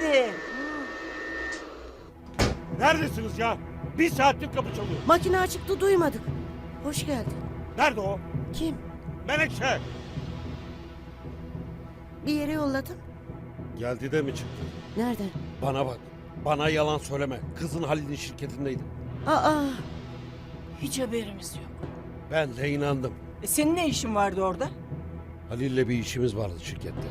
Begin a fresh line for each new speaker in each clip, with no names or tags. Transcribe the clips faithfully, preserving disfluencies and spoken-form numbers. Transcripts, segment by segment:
geldi.
Neredesiniz ya? Bir saattir kapı çalıyor.
Makine açıktı, duymadık. Hoş geldin.
Nerede o?
Kim?
Menekşe.
Bir yere yolladım.
Geldi de mi çıktı?
Nereden?
Bana bak. Bana yalan söyleme. Kızın Halil'in şirketindeydi.
Aa,
Hiç haberimiz yok.
Ben de inandım.
E senin ne işin vardı orada?
Halil'le bir işimiz vardı şirkette.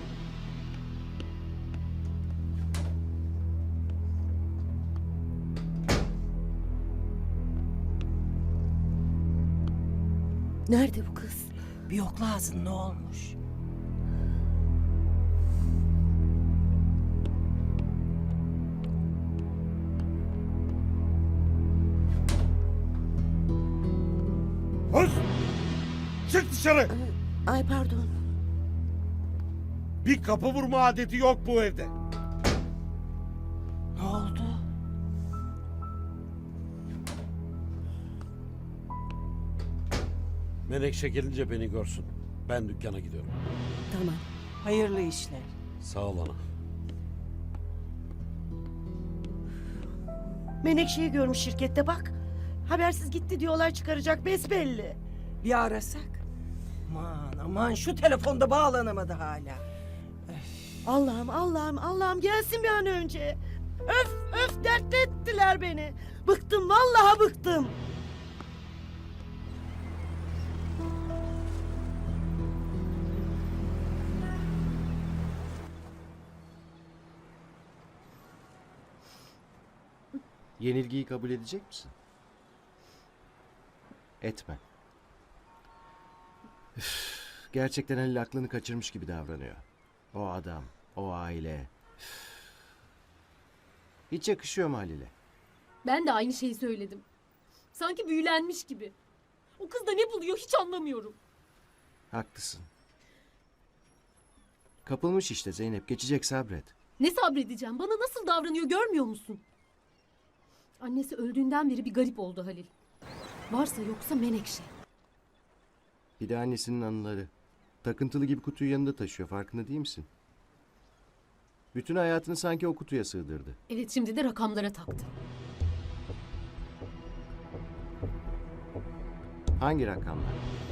nerede bu kız?
Bir yokla ağzın ne olmuş?
Hız! Çık dışarı!
Ay pardon.
Bir kapı vurma adeti yok bu evde.
Ne oldu?
Menekşe gelince beni görsün. Ben dükkana gidiyorum.
Tamam.
Hayırlı işler.
Sağ ol ana.
Menekşe'yi görmüş şirkette bak. Habersiz gitti diye olay çıkaracak besbelli.
Bir arasak. Aman aman şu telefonda bağlanamadı hala.
Allah'ım Allah'ım Allah'ım gelsin bir an önce. Öf öf dertli ettiler beni. Bıktım vallahi bıktım.
Yenilgiyi kabul edecek misin? Etme. Üf, gerçekten Halil aklını kaçırmış gibi davranıyor. O adam, o aile. Üf. Hiç yakışıyor mu Halil'e?
Ben de aynı şeyi söyledim. Sanki büyülenmiş gibi. O kız da ne buluyor hiç anlamıyorum.
Haklısın. Kapılmış işte Zeynep. Geçecek, sabret.
Ne sabredeceğim? Bana nasıl davranıyor görmüyor musun? Annesi öldüğünden beri bir garip oldu Halil. Varsa yoksa Menekşe.
Bir de annesinin anıları. Takıntılı gibi kutuyu yanında taşıyor. Farkında değil misin? Bütün hayatını sanki o kutuya sığdırdı.
Evet, şimdi de rakamlara taktı.
Hangi rakamlar?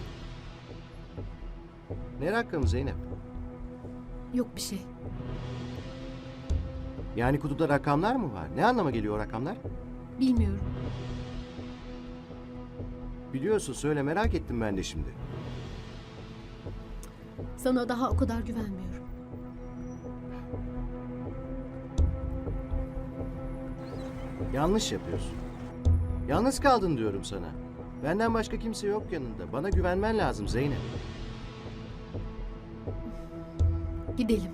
Ne rakamı Zeynep?
Yok bir şey.
Yani kutuda rakamlar mı var? Ne anlama geliyor o rakamlar?
Bilmiyorum.
Biliyorsun, söyle, merak ettim ben de şimdi.
Sana daha o kadar güvenmiyorum.
Yanlış yapıyorsun. Yalnız kaldın diyorum sana. Benden başka kimse yok yanında. Bana güvenmen lazım Zeynep.
Gidelim.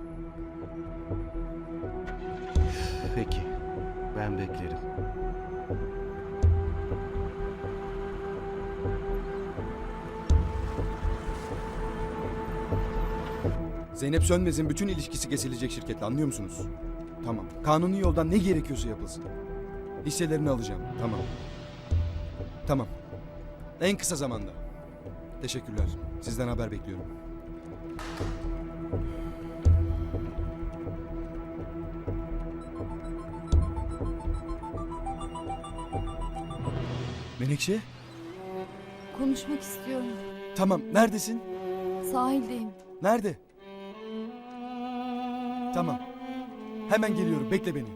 Peki. Ben beklerim.
Zeynep Sönmez'in bütün ilişkisi kesilecek şirketle, anlıyor musunuz? Tamam. Kanuni yoldan ne gerekiyorsa yapılsın. Hisselerini alacağım. Tamam. Tamam. En kısa zamanda. Teşekkürler. Sizden haber bekliyorum. Menekşe?
Konuşmak istiyorum.
Tamam. Neredesin?
Sahildeyim.
Nerede? Tamam. Hemen geliyorum. Bekle beni.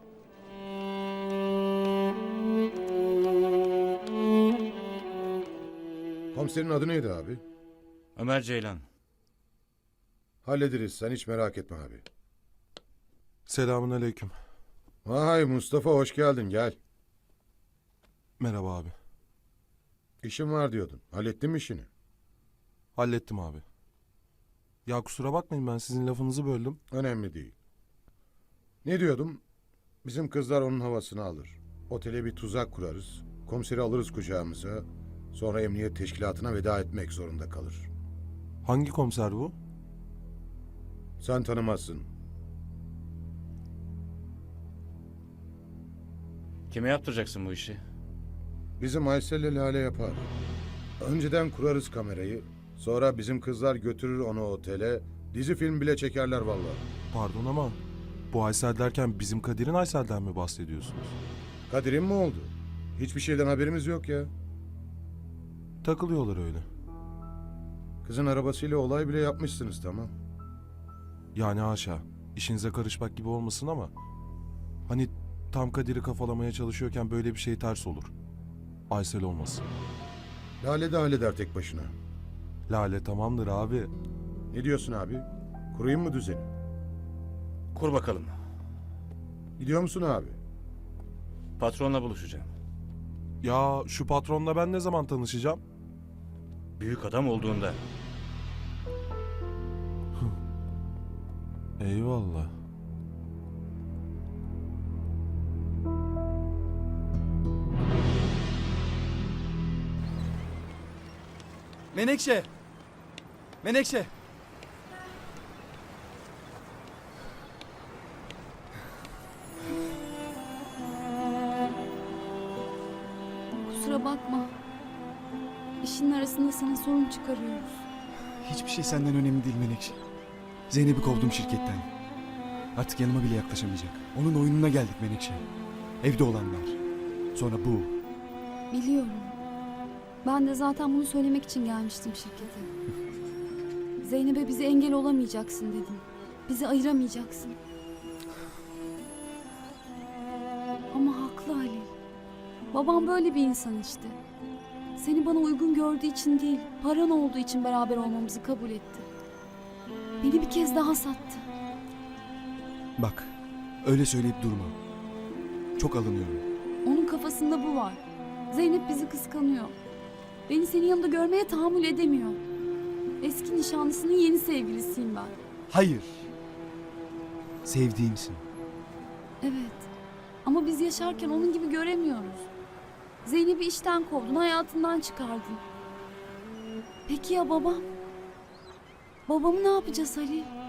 Komiserin adı neydi abi?
Ömer Ceylan.
Hallederiz, sen hiç merak etme abi.
Selamun aleyküm.
Vay Mustafa, hoş geldin, gel.
Merhaba abi.
İşin var diyordun. Hallettin mi işini?
Hallettim abi. Ya kusura bakmayın, ben sizin lafınızı böldüm.
Önemli değil. Ne diyordum? Bizim kızlar onun havasını alır. Otele bir tuzak kurarız. Komiseri alırız kucağımıza. Sonra emniyet teşkilatına veda etmek zorunda kalır.
Hangi komiser bu?
Sen tanımazsın.
Kime yaptıracaksın bu işi?
Bizim Aysel'le Lale yapar. Önceden kurarız kamerayı. Sonra bizim kızlar götürür onu otele. Dizi film bile çekerler vallahi.
Pardon ama Bu Aysel derken bizim Kadir'in Aysel'den mi bahsediyorsunuz?
Kadir'in mi oldu? Hiçbir şeyden haberimiz yok ya.
Takılıyorlar öyle.
Kızın arabasıyla olay bile yapmışsınız tamam.
Yani haşa. İşinize karışmak gibi olmasın ama... Hani tam Kadir'i kafalamaya çalışıyorken böyle bir şey ters olur. Aysel olmasın.
Lale de halleder tek başına.
Lale tamamdır abi.
Ne diyorsun abi? Kurayım mı düzeni?
Kur bakalım.
Gidiyor musun abi?
Patronla buluşacağım.
Ya şu patronla ben ne zaman tanışacağım?
Büyük adam olduğunda.
Eyvallah.
Menekşe! Menekşe!
Kusura bakma. İşin arasında sana sorun çıkarıyoruz.
Hiçbir şey senden önemli değil Menekşe. Zeynep'i kovdum şirketten. Artık yanıma bile yaklaşamayacak. Onun oyununa geldik Menekşe. Evde olanlar. Sonra bu.
Biliyorum. Ben de zaten bunu söylemek için gelmiştim şirkete. Zeynep'e bize engel olamayacaksın dedim. Bizi ayıramayacaksın. Ama haklı Ali. Babam böyle bir insan işte. Seni bana uygun gördüğü için değil, paran olduğu için beraber olmamızı kabul etti. Beni bir kez daha sattı.
Bak, öyle söyleyip durma. Çok alınıyorum.
Onun kafasında bu var. Zeynep bizi kıskanıyor. Beni senin yanında görmeye tahammül edemiyor. Eski nişanlısının yeni sevgilisiyim ben.
Hayır. Sevdiğimsin.
Evet. Ama biz yaşarken onun gibi göremiyoruz. Zeynep'i işten kovdun, hayatından çıkardın. Peki ya babam? Babamı ne yapacağız Ali?